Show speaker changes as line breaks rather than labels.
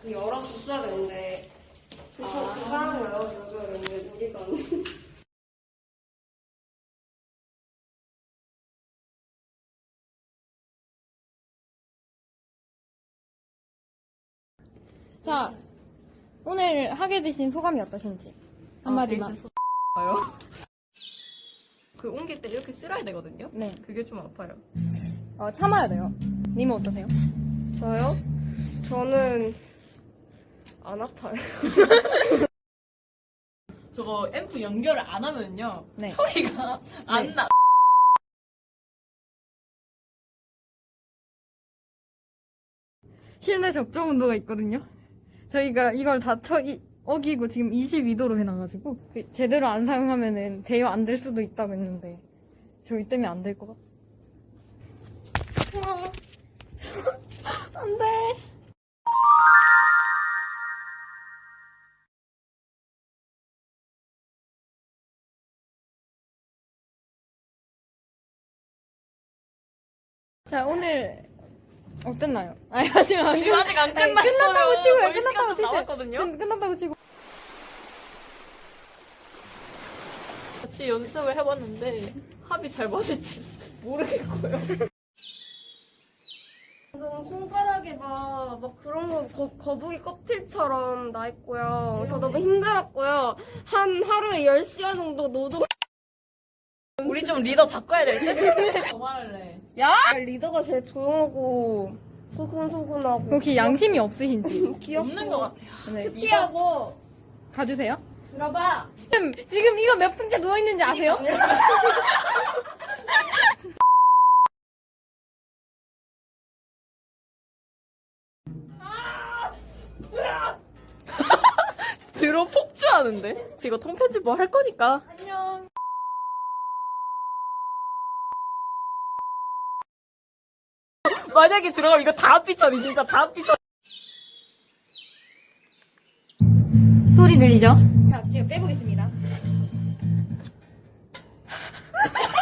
열어줬어야 되는데 그 사람을 열어줘야 되는데 우리가
자, 오늘 하게 되신 소감이 어떠신지 한마디만.
그 옮길 때 이렇게 쓸어야 되거든요.
네.
그게 좀 아파요.
참아야 돼요. 님은 어떠세요?
저요? 저는 안 아파요.
저거 앰프 연결을 안 하면요.
네.
소리가 안 나.
실내 적정 온도가 있거든요. 저희가 이걸 다 어기고 지금 22도로 해놔가지고 제대로 안 사용하면은 대여 안 될 수도 있다고 했는데 저희 때문에 안 될 것 같아. 안 돼. 자, 오늘 어땠나요? 아니, 아직 안
지금 아직 안 끝났어요.
끝났다고 치고요.
저희 시간 좀
치세요.
남았거든요.
끝났다고 치고.
같이 연습을 해봤는데 합이 잘 맞을지 모르겠고요.
손가락에 막 그런 거 거북이 껍질처럼 나 있고요. 그래서 너무 힘들었고요. 한 하루에 10시간 정도 노동.
우리 좀 리더 바꿔야 될 듯? 더 말할래.
야! 리더가 제일 조용하고 소근소근하고
혹시 양심이 없으신지
귀엽고
없는 것 같아요.
네,
큐티하고
가주세요.
들어봐.
지금 이거 몇 분째 누워있는지 아세요?
들어 폭주하는데? 이거 통편집 뭐 할 거니까.
안녕.
만약에 들어가면 이거 다 삐처리, 진짜 다 삐처리.
소리 들리죠? 자, 지금 빼보겠습니다.